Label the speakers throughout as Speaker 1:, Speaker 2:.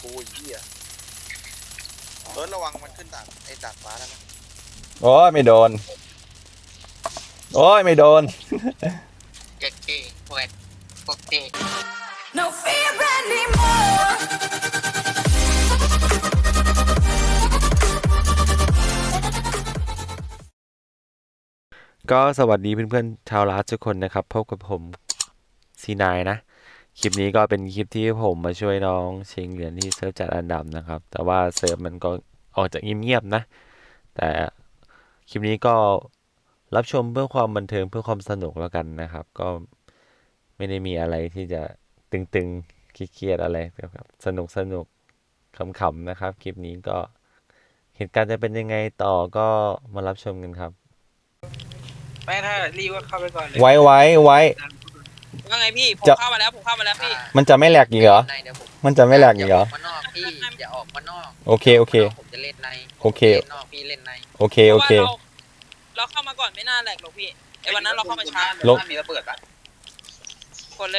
Speaker 1: กูไอ้เหี้ยระวังมันขึ้นดาดฟ้าแล้วนะ
Speaker 2: โอ้ยไม่โดนโอ้ยไม่โดน
Speaker 3: เจ็ดเก้ปวดปวดเก้
Speaker 4: No fear anymore.
Speaker 2: ก็สวัสดีเพื่อนๆชาวลาสทุกคนนะครับพบกับผมซีนายนะคลิปนี้ก็เป็นคลิปที่ผมมาช่วยน้องชิงเหรียญที่เซิร์ฟจัดอันดับนะครับแต่ว่าเซิร์ฟมันก็ออกจากเงียบๆนะแต่คลิปนี้ก็รับชมเพื่อความบันเทิงเพื่อความสนุกแล้วกันนะครับก็ไม่ได้มีอะไรที่จะตึงๆเครียดๆอะไรแบบสนุกขำๆนะครับคลิปนี้ก็เหตุการณ์จะเป็นยังไงต่อก็มารับชมกันครับ
Speaker 3: แม่ถ้ารีบก็เข้าไปก่อนเลย
Speaker 2: ไว้
Speaker 5: ว่าไงพี่ผมเข้ามาแล้วพี่
Speaker 2: มันจะไม่แหลกอีกเหรอมันจะไม่แหลกอีกเหรอ
Speaker 3: มานอกพี่อย่าออกมานอก
Speaker 2: โอเค
Speaker 3: ผมจะเล่นใน
Speaker 2: โอเคน
Speaker 3: อกพี่เล่นใน
Speaker 2: โอเค
Speaker 5: เราเข้ามาก่อนไม่น่าแหลกหรอกพี่ไอ้วันนั้นเราเข้ามาช้า
Speaker 2: ลง
Speaker 3: มีระเบิดปะ
Speaker 5: กดเลย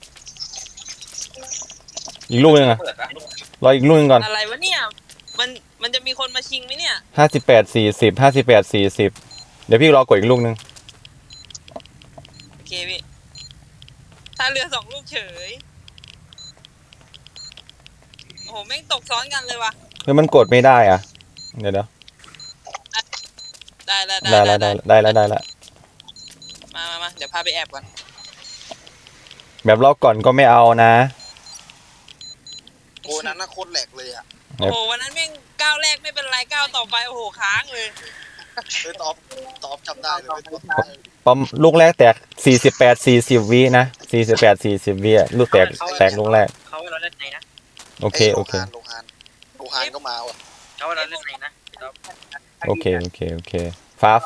Speaker 2: อีกลูกนึงอะรออีกลูกนึงก่อน
Speaker 5: อะไรวะเนี่ยมันจะมีคนมาชิงไหมเนี่ย
Speaker 2: 58 40เดี๋ยวพี่รอกดอีกลูกนึง
Speaker 5: โอเคพี่ถ้าเรือ2 ลูกเฉยโอ้โหแม่งตกซ้อนกันเลยว่ะ
Speaker 2: เฮ้ยมันกดไม่ได้อ่ะเดี๋ยว
Speaker 5: ได้
Speaker 2: แล้ว
Speaker 5: มาเดี๋ยวพาไปแอบก่อน
Speaker 2: แบบรอบก่อนก็ไม่เอานะ
Speaker 1: โอ้นั้นน่ะโคตรแหลกเลยอ่ะ
Speaker 5: โอ้โหวันนั้นแม่งก้าวแรกไม่เป็นไรก้าวต่อไปโอ้โหค้างเลย
Speaker 1: ตอบจำได้เลย
Speaker 2: ปั๊มลูกแรกแตก48 40วินะ48 40วิอ่ะลูกแตกลูกแรก
Speaker 3: เขาเราเล่นในนะ
Speaker 2: โอเค
Speaker 1: โลฮานก็มาว่ะ
Speaker 3: เขาเราเล่นในนะ
Speaker 2: โอเคฟ้า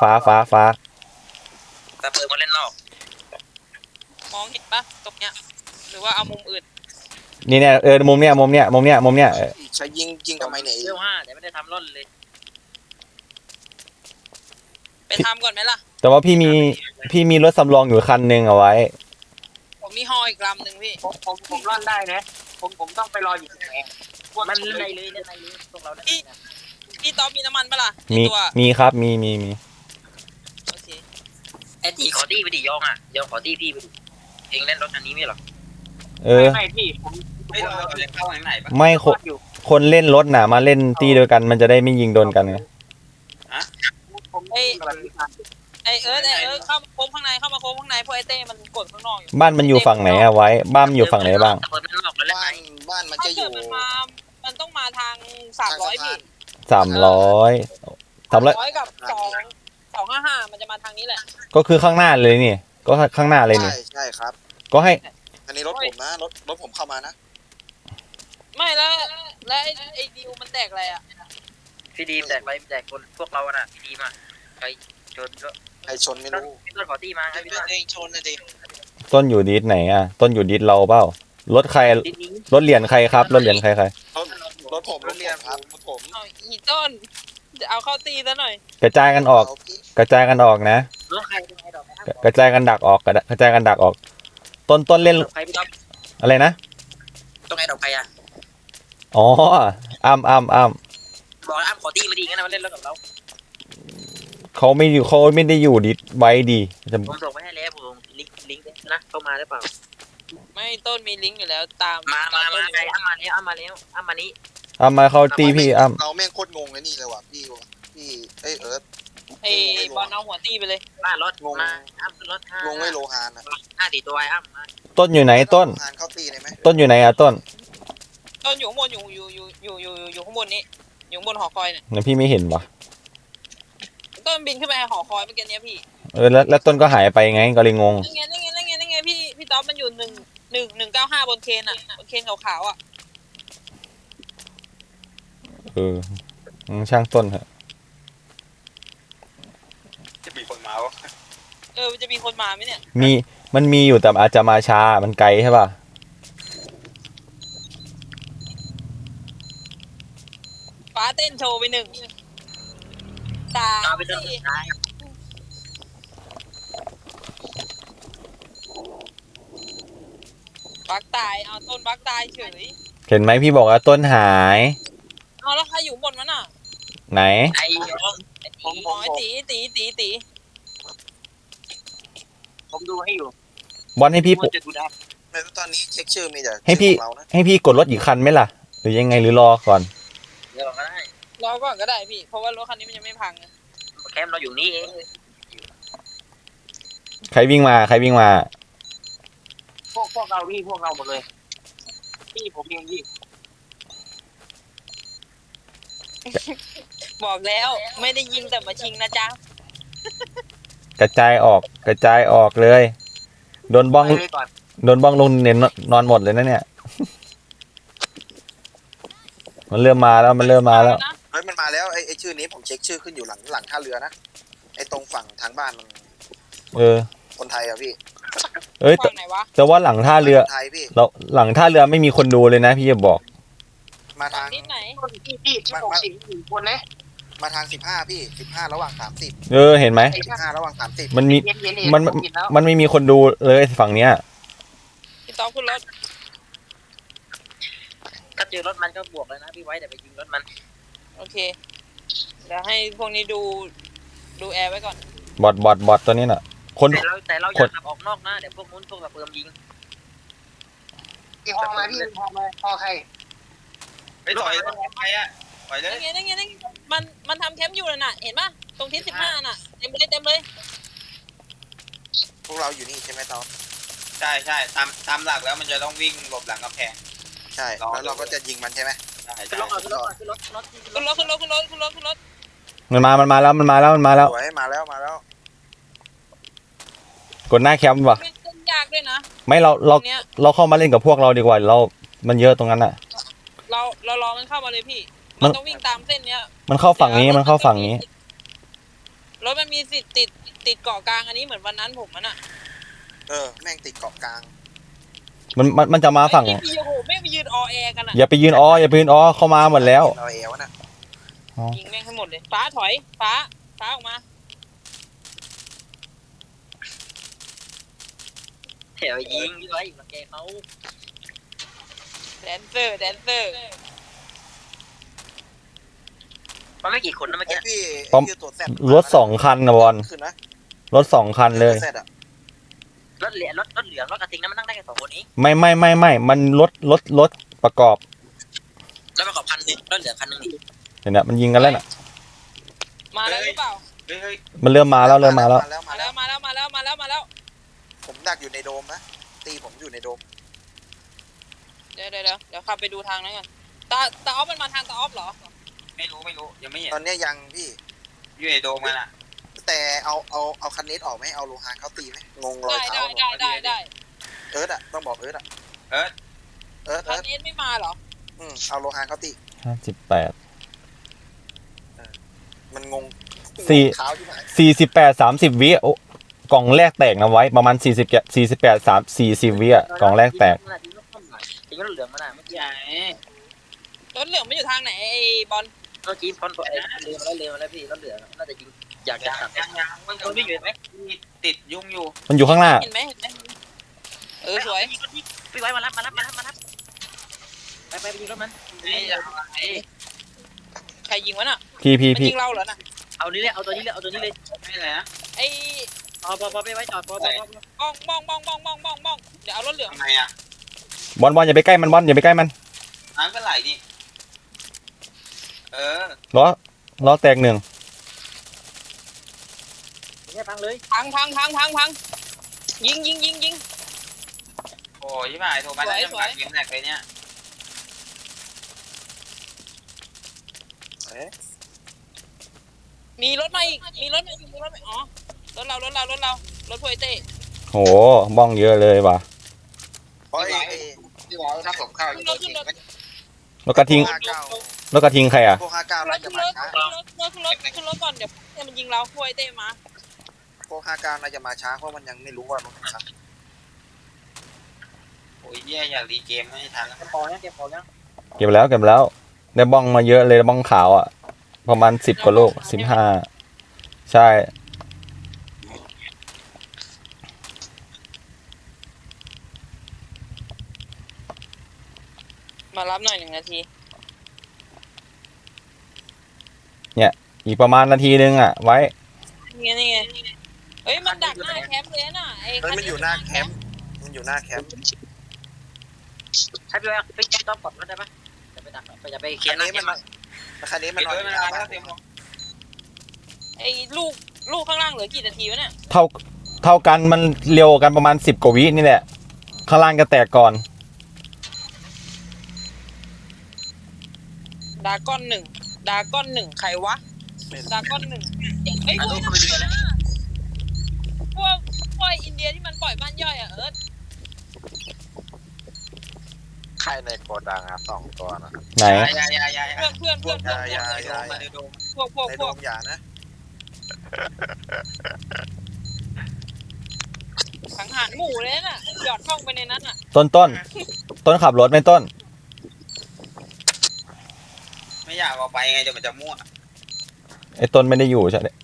Speaker 3: แต่เปิดมาเล่นนอก
Speaker 5: มองเห็นปะตรงเนี้ยหรือว่าเอามุมอื่น
Speaker 2: นี่เนี่ยมุมเนี้ย
Speaker 1: ใช้ยิงทำไมเนี่ย
Speaker 3: เรื่อง5แต่ไม่ได้ทำร่อนเลย
Speaker 5: ไปทำก่อนไหมล่ะ
Speaker 2: แต่ว่าพี่มีรถสำรองอยู่คันนึงเอาไว้
Speaker 5: ผมมีฮออีกลำหนึ่งพี่
Speaker 3: ผมร่อนได้นะผมต้องไปรออยู่ที่ไหนมันเล่นในเลยพวกเราเล่น
Speaker 5: พี่ต๊อบมีน้ำมันปะล่ะ
Speaker 2: มีครับมี
Speaker 5: โอเค
Speaker 3: ไอ้ตีขอตี้ไปดิยองขอตี้พี่ไปดิเองเล่นรถคันนี้ไม่หรอไม่พี่ผมไม่เราเล่นเข้าไหนปะ
Speaker 2: ไม่คนเล่นรถน่ะมาเล่นตีด้วยกันมันจะได้ไม่ยิงโดนกันไง
Speaker 5: ไอเอิร์ธเข้ามาโค้งข้างในพวกไอเต้มันกดข้างนอกอยู่
Speaker 2: บ้านมันอยู่ฝั่งไหนอะไว้บ้านมันอยู่ฝั่งไหนบ้าง
Speaker 1: บ้านมันจะอยู่
Speaker 5: มันต้องมาทาง300พี่
Speaker 2: 300
Speaker 5: กับ255มันจะมาทางนี้แหละ
Speaker 2: ก็คือข้างหน้าเลยนี่ก็ข้างหน้าเลยนี่
Speaker 1: ใช่ครับ
Speaker 2: ก็ให้
Speaker 1: อันนี้รถผมนะรถผมเข้ามานะ
Speaker 5: ไม่แล้วไอ้ดิวมันแตกอะไรอ่ะ
Speaker 3: พี่ดีมแตกไปแตกคนพวกเราน่ะพี่ดีมอ่ะใครชนก็
Speaker 1: ใครชนไม่รู้
Speaker 3: พี่ต้นขอตี้มาครับพี่ต้น
Speaker 1: ชนนะดิ
Speaker 2: ต้นอยู่ดิสไหนอ่ะต้นอยู่ดิสเราเปล่ารถใครรถเหรียญใครครับรถเหรียญใคร
Speaker 1: รถผมครับรถผม
Speaker 5: อีต้นจะเอาเข้าตีซะหน่อย
Speaker 2: กระจายกันออกนะกระจายกันดักออกต้นเล่นอะไรนะ
Speaker 3: ต้องไอ้ดอกไปอ่ะ
Speaker 2: อ๋ออ้ำ
Speaker 3: บอกอ้ำขอตี้มาดีงั้นมาเล่นรถกับเรา
Speaker 2: เขาไม่ได้อยู่ดิสไว้ดี
Speaker 3: ผมส่งไปให้แล้วผมลิงก์นะเข้ามาได้เปล่า
Speaker 5: ไม่ต้นมีลิงก์อยู่แล้วตาม
Speaker 3: มาไงอ้ำมานี้อ้ำมานี้
Speaker 2: มาเขาตีพี่อ้
Speaker 1: ำเราแม่งโคตรงงเลยนี่เลยว่ะพี่เอิร์ธ
Speaker 5: ไอ้บอลเอาหัวตีไปเลย
Speaker 3: รถงงมาอ้ำรถ
Speaker 1: งงไม่โลฮานอ่ะ
Speaker 3: 4ตัวอ้ำมา
Speaker 2: ต้นอยู่ไหนต้น
Speaker 1: เข้าตีได้ไหม
Speaker 2: ต้นอยู่ไหนอะต้น
Speaker 5: อยู่ข้างบนอยู่ข้างบนนี้อยู่ข้างบนหอคอยเนี่ย
Speaker 2: พี่ไม่เห็นปะ
Speaker 5: ต้นบินขึ้นไปหอคอยเมื่อกี้นี้พี่
Speaker 2: แล้วต้นก็หายไปไงก็เลยงง
Speaker 5: นั่นไงพี่ต๊อบมันอยู่195บนเคนอ่ะบนเคนขาวๆอ่ะ
Speaker 2: ช่างต้นเหรอ
Speaker 1: จะมีคนมาวะ
Speaker 5: มันจะมีคนมาไหมเนี่ย
Speaker 2: มันมีอยู่แต่อาจจะมาช้ามันไกลใช่ป่ะ
Speaker 5: ฟ้าเต้นโชว์ไป1 3 4บักตายเอาต้นบักตายเฉย
Speaker 2: เห็นไหมพี่บอกว่าต้นหาย
Speaker 5: เอาแล้วใครอยู่บนมันอ่ะ
Speaker 2: ไหน
Speaker 3: ไอ้ยอง
Speaker 5: อ๋อไอ้ตี
Speaker 3: ผมดูให้อยู่
Speaker 2: บอลให้พี่
Speaker 3: มันจะดูได้
Speaker 1: ในตอนนี้เช็คชื่อมีแต่
Speaker 2: ให้พี่
Speaker 1: ชื่อของเรานะ
Speaker 2: ให้พี่กดรถอีกคันไหมล่ะ หรือยังไงหรือรอก่อน
Speaker 3: เดี๋ยวก็ได้
Speaker 5: รอก่อนก็ได้พี่ เพราะว่ารถคันนี้มันยังไม่พังไง
Speaker 3: แคมป์เราอยู่นี่เอง
Speaker 2: ใครวิ่งมาใครวิ่งมา
Speaker 3: พวกเราพี่พวกเราหมดเลยพี่ผมเองพี่
Speaker 5: บอกแล้วไม่ได้ยิงแต่มาชิงนะจ๊ะ
Speaker 2: กระจายออกกระจายออกเลย โดนบ้อง
Speaker 3: ไปเลยก่อน
Speaker 2: โดนบ้องลงเน้นนอนหมดเลยนะเนี่ย มันเริ่มมาแล้วมันเริ่มมาแล้ว
Speaker 5: นะ
Speaker 1: เฮ้ยมันมาแล้วไอ้ชื่อนี้ผมเช็คชื่อขึ้นอยู่หลังท่าเรือนะไอ้ตรงฝั่งทางบ้านมัน
Speaker 2: เออ
Speaker 1: คนไทยอะพี่
Speaker 2: เอ้ยแต่
Speaker 5: ฝั่งไหนวะ
Speaker 2: แต่ว่าหลังท่าเรือ
Speaker 1: คนไทยพี่
Speaker 2: เราหลังท่าเรือไม่มีคนดูเลยนะพี่จะบอก
Speaker 1: มา
Speaker 5: ฝั่
Speaker 1: ทาง ง
Speaker 5: ทิศไหน
Speaker 3: พี่60คนนะ
Speaker 1: มาทาง15พี่15ระหว่าง30
Speaker 2: เออเห็นไหม
Speaker 1: 15ระหว่าง30
Speaker 2: มันมี
Speaker 3: เห็น
Speaker 2: มัน
Speaker 3: ผมเห็นแล้ว
Speaker 2: มันไม่มีคนดูเลยฝั่งเนี้ย
Speaker 5: พี่ต๊อบขึ้นรถ
Speaker 3: ถ้าเจอรถมันก็บวกเลยนะพี่ไว้แต่ไปยิงรถมัน
Speaker 5: โอเคเดี๋ยวให้พวกนี้ดูแอร์ไว้ก่อน
Speaker 2: บอทตัวนี้น่ะ คน
Speaker 3: แต่เราอย่าขับออกนอกนะเดี๋ยวพวกนู้นพวกตะเปิมยิง
Speaker 6: พี่ฮอมาพี่ฮอมาฮอใคร
Speaker 1: ไปต่อยใครอะต่อยเลย
Speaker 5: นั่นไงมันทำแคมป์อยู่น่ะเห็นปะตรงทิศ15น่ะเต็มเลย
Speaker 1: พวกเราอยู่นี่ใช่ไหมตอน
Speaker 7: ใช่ใช่ตามหลักแล้วมันจะต้องวิ่งหลบหลังกำแพง
Speaker 1: ใช่แล้วเราก็จะยิงมันใช่ไหม
Speaker 7: ใช่
Speaker 3: ขึ้น
Speaker 7: ใช่
Speaker 3: รถก่อนขึ้นรถขึ้นรถ
Speaker 5: ขึ้นรถขึ้นรถ
Speaker 2: มันมาแล้วมันมาแล้ว
Speaker 1: สวยมาแล้ว
Speaker 2: กดหน้าแคมป์ว่ะ
Speaker 5: ไม่เล่นยากด้วยนะ
Speaker 2: ไม่เรา
Speaker 5: ตรงเนี้ย
Speaker 2: เราเข้ามาเล่นกับพวกเราดีกว่าเรามันเยอะตรงนั้นอ่ะ
Speaker 5: เรารอมันเข้ามาเลยพี่
Speaker 2: มั
Speaker 5: มัน นต้องวิ่งตามเส้นเนี้ย
Speaker 2: มันเข้าฝั่งนี้มันเข้าฝั่งนี้
Speaker 5: รถมันมีสิทธิ์ติดเกาะกลางอันนี้เหมือนวันนั้นผมมันอ่ะ
Speaker 1: แม่งติดเกาะกลาง
Speaker 2: มันจะมาฝั่ง
Speaker 5: ไอ้พี่โอ้โหแม่งไปยืนอแอกันอ่ะ
Speaker 2: อย่าไปยืนอย่าไปยืนเข้ามาหมดแล้ว
Speaker 1: เราเอวนะ
Speaker 5: ยิงแม่งให้หมดเลยฟ้าถอยฟ้าออกมา
Speaker 3: แถวยิงพี่ไว้อยู่หลังแกเขา
Speaker 5: แดนเซอร์
Speaker 3: มันไม่กี่คนนะเมื่อ
Speaker 1: ไอ้
Speaker 3: กี้
Speaker 1: พี่
Speaker 2: ปั๊ม
Speaker 1: ชื่อตัวแซด
Speaker 2: รถ2 คันนะบอล
Speaker 1: ขึ้นนะ
Speaker 2: รถ2 คันเลย
Speaker 1: ตัวแซดอะ
Speaker 3: รถเหลืองรถกระทิงนั้นมันนั่งได้แค่2คนนี้
Speaker 2: ไม่มันรถประกอบ
Speaker 3: แล้วประกอบคันนึงรถเหลือคันนึงนี่
Speaker 2: เห็นไหมมันยิงกันแล้วน่ะ
Speaker 5: มาแล้วหรือเปล่า
Speaker 7: เฮ้ย
Speaker 2: มันเริ่มมาแล้ว
Speaker 5: มาแล้ว
Speaker 1: ผมดักอยู่ในโดมนะตีผมอยู่ในโดม
Speaker 5: เดี๋ยวขับไปดูทางนั้นกันตาออฟมันมาทางตาออฟเหรอ
Speaker 7: ไม่รู้ยังไม่เห็น
Speaker 1: ตอนเนี้ยยังพี่
Speaker 7: อยู่ในโดมมันอ่ะ
Speaker 1: แต่เอาคันเนสออกไหมเอาโลหะเขาตีไหมงงรอยเท้า
Speaker 5: ได้
Speaker 1: เอิร์ธอะต้องบอกเอิร์ธอะ
Speaker 7: เอิร์ธ
Speaker 5: คันเอสไม่มาเหรอ
Speaker 1: เอาโลหะเขาตี
Speaker 2: 58
Speaker 1: มันงง
Speaker 2: สี่
Speaker 1: เท้าที่ไหน
Speaker 2: 48 30 วิโอ้กล่องแรกแตกนะไว้ประมาณ48 40 วิอ่ะกล่องแรกแตก
Speaker 3: จริงรถเหลืองมันอ่ะเมื่อกี้
Speaker 7: ใช่
Speaker 5: รถเหลืองไม่อยู่ทางไหนไอ้บอล
Speaker 3: เมื่อกี้พอนเรือมาแล้วพี่รถเหลืองน่าจะยิงอยากจะตัด
Speaker 7: ยังมันวิ่งอยู่ไหมติดยุ่งอยู่
Speaker 2: มันอยู่ข้างหน้า
Speaker 5: เห็นไหมสวย
Speaker 3: พี่ไว้มารับไปยิงรถมัน
Speaker 5: ใครยิงวะน่ะ
Speaker 2: พี่
Speaker 5: มันยิงเราเหรอน่ะ
Speaker 3: เอานี้เลยเอาตัวนี้เลย
Speaker 7: ไม่อะไรนะ
Speaker 5: ไอ้
Speaker 3: พอไปไว้จอดพอ
Speaker 5: บ้องเดี๋ยวเอารถเหลือง
Speaker 7: ทำไมอ่ะ
Speaker 2: บอลอย่าไปใกล้มันบอลอย่าไปใกล้มัน
Speaker 7: น้ำก็ไหลนี่
Speaker 2: ล้อแตก 1
Speaker 3: เนี่ยพังเลย
Speaker 5: พังยิง
Speaker 7: โอ้ยไม่โทรมาแล้วจะมาเกมแรกเลยเนี่ย
Speaker 5: มีรถมาอีกอ๋อรถเรารถพวยเต้
Speaker 2: โหบ้องเยอะเลยว่ะ
Speaker 1: เพราะไอ้
Speaker 6: พี่บอกถ้าผมเข้า
Speaker 5: ขึ้นรถ
Speaker 2: รถกระทิง
Speaker 1: 59
Speaker 2: รถกระทิงใครอ่ะ
Speaker 1: พวก59น่าจะมาช้า
Speaker 5: ขึ้นรถก่อนเดี๋ยวมันยิงเราพวยเต้มา
Speaker 1: พวก59น่าจะมาช้าเพราะมันยังไม่รู้ว่ารถช้า
Speaker 7: โอ้ยแย่อยากรีเกมไม่ทันแล้ว
Speaker 3: เก็บพอยัง
Speaker 2: เก็บแล้วได้บ้องมาเยอะเลยบ้องขาวอ่ะประมาณ10 กว่าลูก15 ใช่
Speaker 1: ม
Speaker 5: มารับหน่อย1 นาที
Speaker 2: อีกประมาณนาทีนึงอ่ะ ไว้
Speaker 5: นี่ไงเฮ้ยมันดักหน้าแคมป์เลยน่ะไอ้
Speaker 1: เฮ้ยมันอยู่หน้าแคมป์มันอยู่หน้าแคมป์
Speaker 3: ใช้ไปว่าไปต้อมก่อนก็ได้ปะจะไปดักจะไปเคลีย
Speaker 1: คัน
Speaker 3: ร์นะ
Speaker 1: นี้มันคันนี้มันนอนอยู่หน้าบ้าน
Speaker 5: ไอ้ลูกข้างล่างเหลือกี่นาทีวะเนี่ย
Speaker 2: เท่ากันมันเร็วกันประมาณ10 กว่าวินี่แหละ ข้างล่างก็แตกก่อน
Speaker 5: ดากอนหนึ่งใครวะดากอน1ไอ้พวกนั้นนะพวกอินเดียที่มันปล่อยบ้านย่อยอ่ะเอิร์ธ
Speaker 1: ใครในโกดังครับ2 ตัวนะ
Speaker 2: ไหน
Speaker 7: ยา
Speaker 5: เพื่อนพวก
Speaker 1: อย่า
Speaker 7: มาดู
Speaker 1: ในโดมอย่านะ
Speaker 5: สังหารหมู่เลยน่ะหยอดเข้าไปในนั้นอ่ะ
Speaker 2: ต้นขับรถไหมต้น
Speaker 7: ไม่อยากเอาไปไงเดี๋ยวมันจะมั่ว
Speaker 2: ไอ้ต้นไม่ได้อยู่ใช่ไหม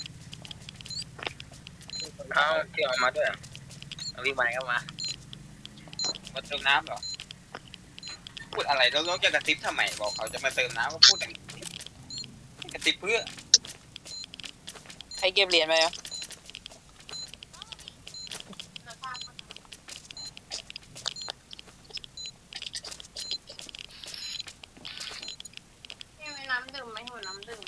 Speaker 3: เอาที่ออกมาด้วยวิ่งมาก็มา
Speaker 7: มาเติมน้ำเหรอพูดอะไรแล้วจะกระติบทำไมบอกเขาจะมาเติมน้ำก็พูดอย่างนี้กระติบเพื่อ
Speaker 5: ใครเก็บเหรียญไปอ่ะ
Speaker 6: ให้น้ำดื่มไหมหัวน้ำดื่ม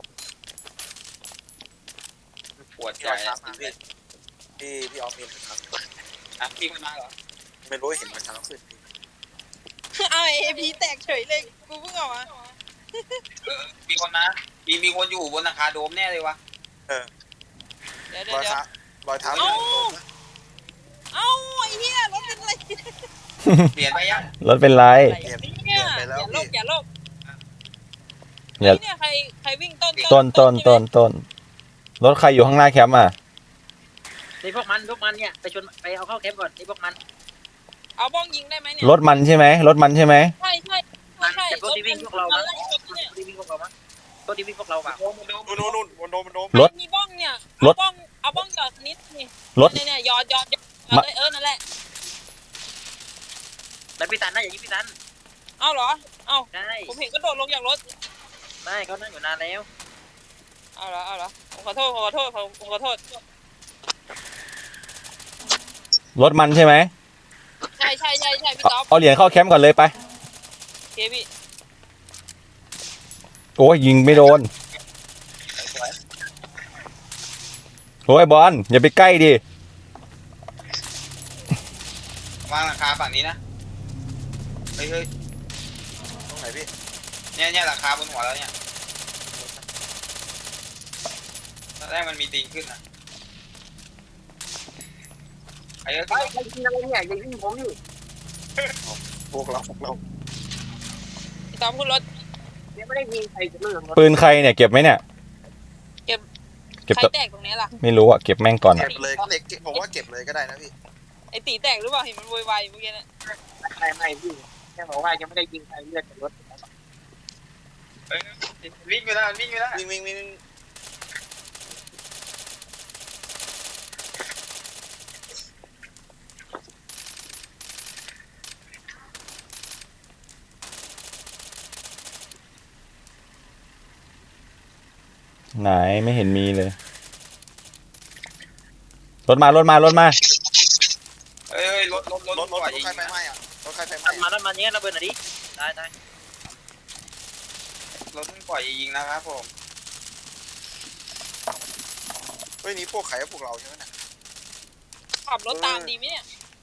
Speaker 7: ปวดใจ
Speaker 1: พี่ออฟครับพี่ออฟเห็นครับ
Speaker 7: อ่ะพี่มันมาเหรอ
Speaker 1: ไม่รู้เห็นมาเช้าขึ้น
Speaker 5: เอาไอ้พีแตกเฉยเลยกูเพิ่งออกมา
Speaker 7: มีคนนะมีคนอยู่บนหลังคาโดมแน่เลยวะ
Speaker 5: เดี๋ยว
Speaker 1: รอยเท้าอยู่ในโดม
Speaker 5: เอ้าไอ้เหี้ยรถเป็นอะไร
Speaker 7: เปลี่ยนไปยัง
Speaker 2: รถเป็นไร
Speaker 5: เนี่ยอย่าโลก
Speaker 2: อย่า
Speaker 5: เนี่ยใครวิ่งต้น
Speaker 2: ต้นรถใครอยู่ข้างหน้าแคมป์อ่ะ
Speaker 3: ในพวกมันเนี่ยไปชนไปเอาเข้าแคมป์ก่อนในพวกมัน
Speaker 5: เอาบ้องยิงได้ไหมเนี่ย
Speaker 2: รถมันใช่ไหม
Speaker 5: ใช่
Speaker 3: แต่ตัวที่วิ่งพวกเรามั้งตัวที่วิ่งพวกเรามั้งตัวที่วิ่งพวกเราแบบ
Speaker 1: นู่นบนโดม
Speaker 2: รถ
Speaker 5: มีบ้องเนี่ย
Speaker 2: รถ
Speaker 5: เอาบ้องหยอดนิดนี่
Speaker 2: รถ
Speaker 5: เนี่ยหยอดเลยนั่นแหละ
Speaker 3: แต่พี่ตันนะอย่ายิงพี่ตัน
Speaker 5: เอาเหรอเอา
Speaker 3: ใช่
Speaker 5: ผมเห็นก็โดดลงจากรถ
Speaker 3: ไม่เขานั่งอยู่นานแล้ว
Speaker 5: เอาเหรอผมขอโทษ
Speaker 2: รถมันใช่ไหม
Speaker 5: ใช่พี่ต๊อบ
Speaker 2: เอาเหรียญเข้าแคมป์ก่อนเลยไป
Speaker 5: เคพี่
Speaker 2: โอ้ยยิงไม่โดน โอ้ยบอลอย่าไปใกล้ดิ
Speaker 7: วางหลังคาฝั่งนี้นะเฮ้ย
Speaker 1: ตรงไหนพี่
Speaker 7: เนี่ยหลังคาบนหัวแล้วเนี่ยตอนแรกมันมีตีนขึ้นนะไอ้เอ้ย
Speaker 6: ไปกินอะไรเนี่ยอย่าวิ่งผมอยู่
Speaker 1: พวกเรา
Speaker 5: พี่ต๊อบขึ้นรถ
Speaker 6: ยังไม่ได้ยิงใครจะเรื่อง
Speaker 2: ปืนใครเนี่ยเก็บไหมเนี่ย เก็บ
Speaker 5: ใคร
Speaker 2: ตัว
Speaker 5: แตกตรงนี้ล่ะ
Speaker 2: ไม่รู้อ่ะเก็บแม่งก่อน
Speaker 1: เก็
Speaker 2: อ่ะ
Speaker 1: บเลยผมว่าเก็บเลยก็ได้นะพี่
Speaker 5: ไอ้ตีแตกหรือเปล่าเห็นมันโวยวายเมื่อกี้นะ
Speaker 6: ไม่พี่แค่บอกว่ายังไม่ได้ยิงใครเลือดจากรถ
Speaker 7: วิ่งอยู่แล้ววิ่ง
Speaker 1: วิ่ง
Speaker 2: ไหนไม่เห็นมีเลย รถมา
Speaker 7: เฮ้ยรถ
Speaker 1: รถ
Speaker 7: ปล่อยยิง
Speaker 1: ใครไฟไหม้อะรถใครไฟไหม้
Speaker 3: มาเนี้ยระเบิดหน่อยดิได้
Speaker 7: รถปล่อยยิงนะครับผม
Speaker 1: เฮ้ยนี่พวกใครพวกเราใช่ไหมเนี่ย
Speaker 5: ขับรถตามดีไหมเนี่ย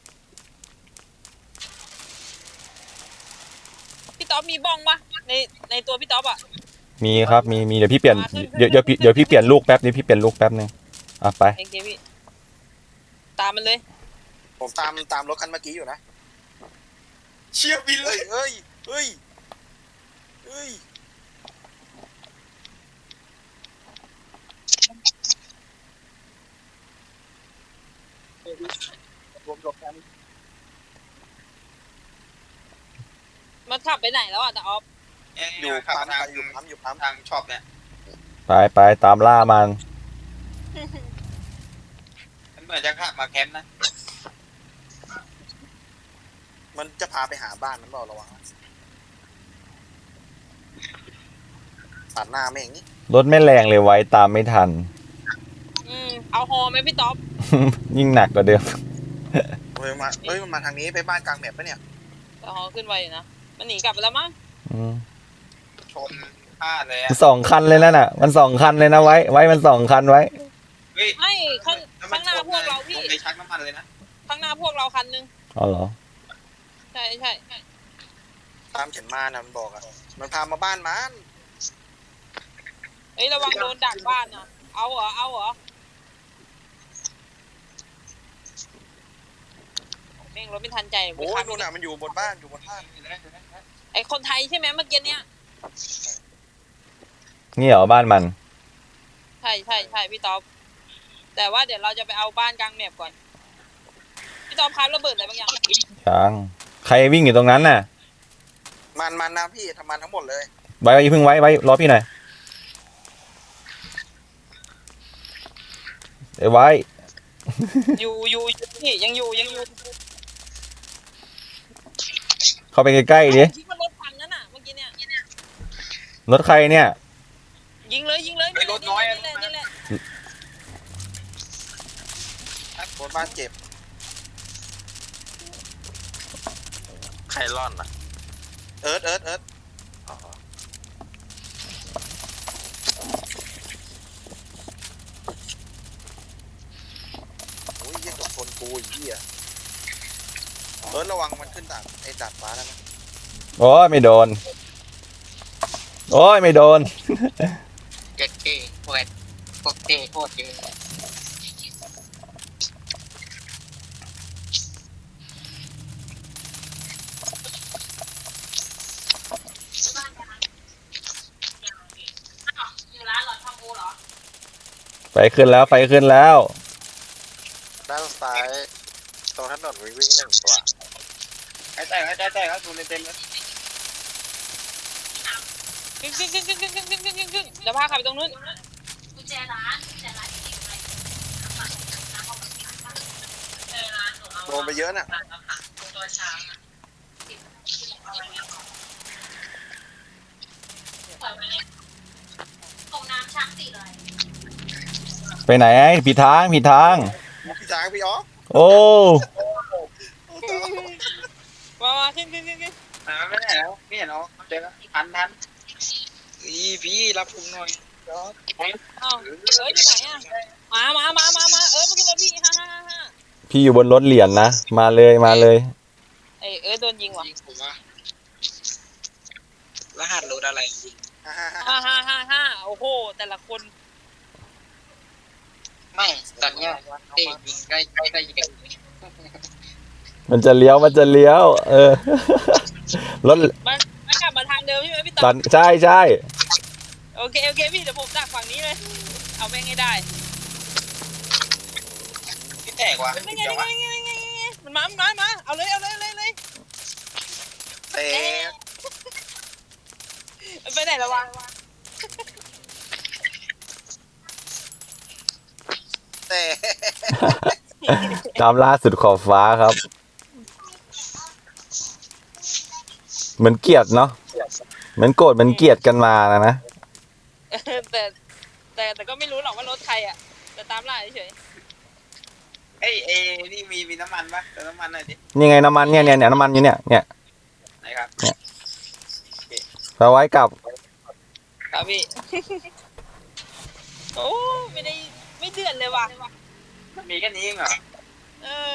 Speaker 5: พี่ต๊อบมีบ้องปะในตัวพี่ต๊อบอ่ะ
Speaker 2: มีครับมีเดี๋ยวพี่เปลี่ยนเดี๋ยวพี่เปลี่ยนลูกแป๊บนึงอ่ะไป
Speaker 5: โอเคพี่ตามมันเลย
Speaker 1: ผมตามรถคันเมื่อกี้อยู่นะ
Speaker 7: เชี่ยบินเลย
Speaker 1: เฮ้ย
Speaker 6: ผมหลบกัน
Speaker 5: มันขับไปไหนแล้วอ่ะแต่ออฟ
Speaker 1: อยู่ปั๊ม
Speaker 7: ทางช็อปเนี่ย
Speaker 2: ไปตามล่ามัน
Speaker 7: มันเหมือนจะขับมาแคมป์นะ
Speaker 1: มันจะพาไปหาบ้านมันเปล่าระวังตัดหน้าไม่อย่างนี้
Speaker 2: รถไม่แรงเลยไว้ตามไม่ทัน
Speaker 5: เอาฮอไหมพี่ต๊อบ
Speaker 2: ยิ่งหนักกว่าเดิม
Speaker 1: มันมาทางนี้ไปบ้านกลางแมปปะเนี่ย
Speaker 5: แต่ฮอขึ้นไวอยู่นะมันหนีกลับไปแล้วมั้ง
Speaker 7: ชนพลาดเลยอะ
Speaker 2: 2 คันเลยนั่นน่ะ มัน2 คันเลยนะไว้มัน2 คันไว้
Speaker 7: เฮ้ย
Speaker 5: ไม่ข้างหน้าพวกเราพี่
Speaker 7: ลงไปชักน้ำมันเลยนะ
Speaker 5: ข้างหน้าพวกเราคันนึง
Speaker 2: อ๋อเหรอ
Speaker 5: ใช่
Speaker 1: ตามฉันมานะมันบอกอะมันพามาบ้านมัน
Speaker 5: เอ้ยระวังโดนดักบ้านนะเอาเหรอแม่งรถไม่ทันใจ
Speaker 1: โอ้ยนู่นน่ะมันอยู่บนบ้านอยู่บนบ้าน
Speaker 5: ไอคนไทยใช่ไหมเมื่อกี้เนี้ย
Speaker 2: นี่เหรอบ้านมัน
Speaker 5: ใช่พี่ต๊อบแต่ว่าเดี๋ยวเราจะไปเอาบ้านกลางแมปก่อนพี่ต๊อบครับระเบิดอะไรบางอย่าง
Speaker 2: ยัง ใครวิ่งอยู่ตรงนั้นน่ะ
Speaker 1: มันนะพี่ทำมันทั้งหมดเลย
Speaker 2: ไว้เพิ่งไว้รอพี่หน่อยไว้
Speaker 5: อยู่พี่ยังอยู่
Speaker 2: เข้าไปใกล้ๆดิ
Speaker 5: คิดว่ารถพังนั่นน่ะเมื่อกี้เนี่ย
Speaker 2: รถใครเนี่ย
Speaker 5: ยิงเลย
Speaker 7: ไอ้รถน้อยอะ
Speaker 5: นี่แหละ
Speaker 1: บนบ้านเจ็บ
Speaker 3: ใครร่อนอ่ะ
Speaker 1: เอิร์ธโอ้ยเยี่ยกับคนกูอีกเหี้ยระวังมันขึ้นไอ้ดาดฟ้าแล้วนะ
Speaker 2: โอ้ยไม่โดน โอ้ยไม่โดน
Speaker 6: เจ็ดเก้โคตรพวกเต้โคตรเยอะ
Speaker 2: ไฟขึ้นแล้วไฟขึ้นแล้ว
Speaker 1: ด้านซ้ายตรงถนนวิ่งหนึ่งตัว
Speaker 7: ไอ้แตกครับดูเต็มเลย
Speaker 5: ขึ้นเดี๋ยวพาขับไปตรงนู้น
Speaker 1: โดนไปเยอะน่ะ
Speaker 2: ไปไหนผิดทาง
Speaker 1: พี่ช้างพี่อ๋อ
Speaker 2: โอ้
Speaker 5: มาขึ้น
Speaker 7: ไม่ได้แล้วนี่เห็นเอาเจอแล้วทันพี่รับผมหน่อย
Speaker 5: อ้าวอยู่ไหนอ่ะมามาขึ้นรถพี่5
Speaker 2: พี่อยู่บนรถเหรียญนะ มาเลย
Speaker 5: โดนยิงว่ะ
Speaker 7: ผมว่ารหัสรถอะไร
Speaker 5: 5โอ้โหแต่ละคน
Speaker 6: ไม่ตอนเนี้ยเต้ยิงใกล้ยิง
Speaker 2: มันจะเลี้ยว รถ
Speaker 5: มันกลับมาทางเดิมใช่ไหมพี่
Speaker 2: ต
Speaker 5: ต๊
Speaker 2: อ
Speaker 5: อน
Speaker 2: ใช่
Speaker 5: โอเคพี่เดี๋ยวผมดักฝั่งนี้เลยเอาแม่งให้ได้
Speaker 7: พี่แตกว่ะ
Speaker 5: ไงมันมาเอาเลย
Speaker 1: เตะ
Speaker 5: ไปไหนระวัง
Speaker 1: เตะ
Speaker 2: ตามล่าสุดขอบฟ้าครับ เหมือนเกลียดเนาะเหมือนโกรธเหมือนเกลียดกันมานะ
Speaker 5: แต่ก็ไม่รู้หรอกว่ารถใครอ่ะแต่ตามล่าเฉย
Speaker 7: เอ้นี่มีน้ำมันปะเติมน้ำมันหน่อยดิ
Speaker 2: นี่ไงน้ำมันเนี่ยน้ำมันอยู่เนี่ย
Speaker 7: ไหนครับ
Speaker 2: เอาไว้กลับ
Speaker 5: ครับพี่ โอ้ไม่เดือดเลยว่ะ
Speaker 7: มีแค่นี้เองเหรอ
Speaker 5: เออ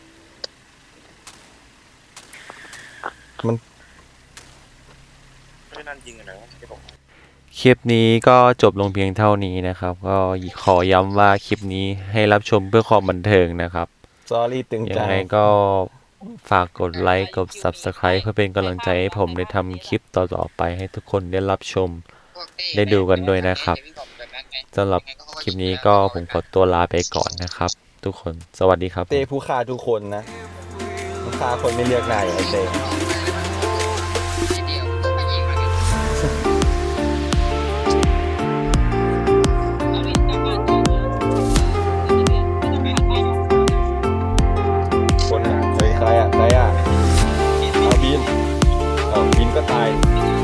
Speaker 1: ไม่นั่นยิงอะไรวะที่ผม
Speaker 2: คลิปนี้ก็จบลงเพียงเท่านี้นะครับ ก็ขอย้ำว่าคลิปนี้ให้รับชมเพื่อความบันเทิงนะครับ
Speaker 8: Sorry ตึง
Speaker 2: ยั
Speaker 8: จั
Speaker 2: ง
Speaker 8: ง
Speaker 2: ไงก็ฝากกดไลค์กด Subscribe เพื่อเป็นกำลังใจให้ผมได้ทำคลิปต่อๆไปให้ทุกคนได้รับชม ได้ดูกันด้วยนะครับสำหรับคลิปนี้ก็ผมขอตัวลาไปก่อนนะครับ ทุกคนสวัสดีครับ
Speaker 8: เต้ผู้ฆ่าทุกคนนะผู้ฆ่าคนไม่เลือกหน้าอย่างไอ้เต้
Speaker 5: เอาพี่กลับบ้านก่อนไม่ต้องผ่านไปหรอก
Speaker 8: คนอ่ะใครอ่ะเอาบินก็ตาย
Speaker 5: ไ